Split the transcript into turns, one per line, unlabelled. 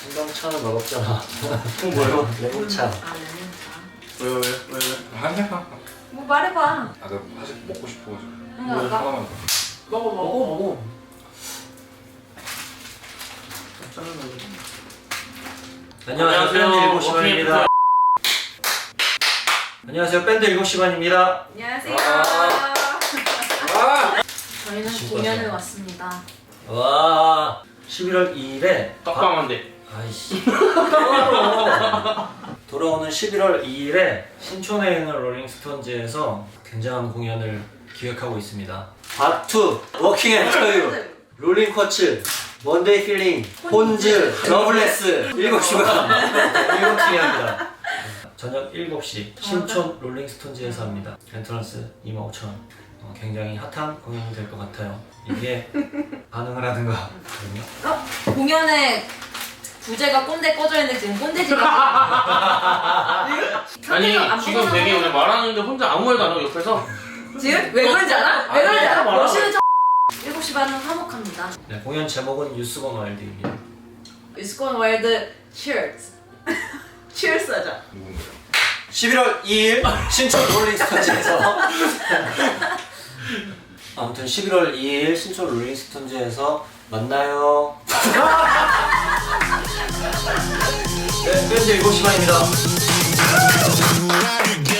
생강차는 맛없잖아.
그건 뭐예요?
레몬차.
아 레몬차.
왜요?
한잔
뭐 말해봐.
아, 나 사실 먹고 싶어가지고.
응
뭐
아까
하나만 더.
먹어.
안녕하세요. 밴드 7시반입니다. 안녕하세요. 밴드 7시반입니다.
안녕하세요.
아!
저희는
진짜
공연을
좋아.
왔습니다.
와, 11월 2일에
떡방한데.
아이씨. 돌아오는 11월 2일에 신촌에 있는 롤링스톤즈에서 굉장한 공연을 기획하고 있습니다. 바투, 워킹 앤 터유, 롤링 쿼츠, 먼데이 필링, 폰즈, 러블레스 7시간 7팀이 합니다. 저녁 7시 신촌 롤링스톤즈에서 합니다. 엔트런스 25,000원. 굉장히 핫한 공연이 될 것 같아요. 이게 반응을 하든가.
공연에 부제가 꼰대 꺼져 있는데 지금 꼰대지가
아니 지금 되게 오늘 말하는데 혼자 아무 말도 안 하고 옆에서
지금 왜 그런지 알아? 왜
아니,
그런지 알아?
말아.
러시는 7시 반은 화목합니다.
네, 공연 제목은 유스건 와일드입니다.
유스콘 월드 치얼스. 치얼스 하자.
누군가요?
11월 2일 신촌 롤링스톤즈에서 아무튼 11월 2일 신촌 롤링스톤즈에서 만나요. 네, 밴드 7시반입니다.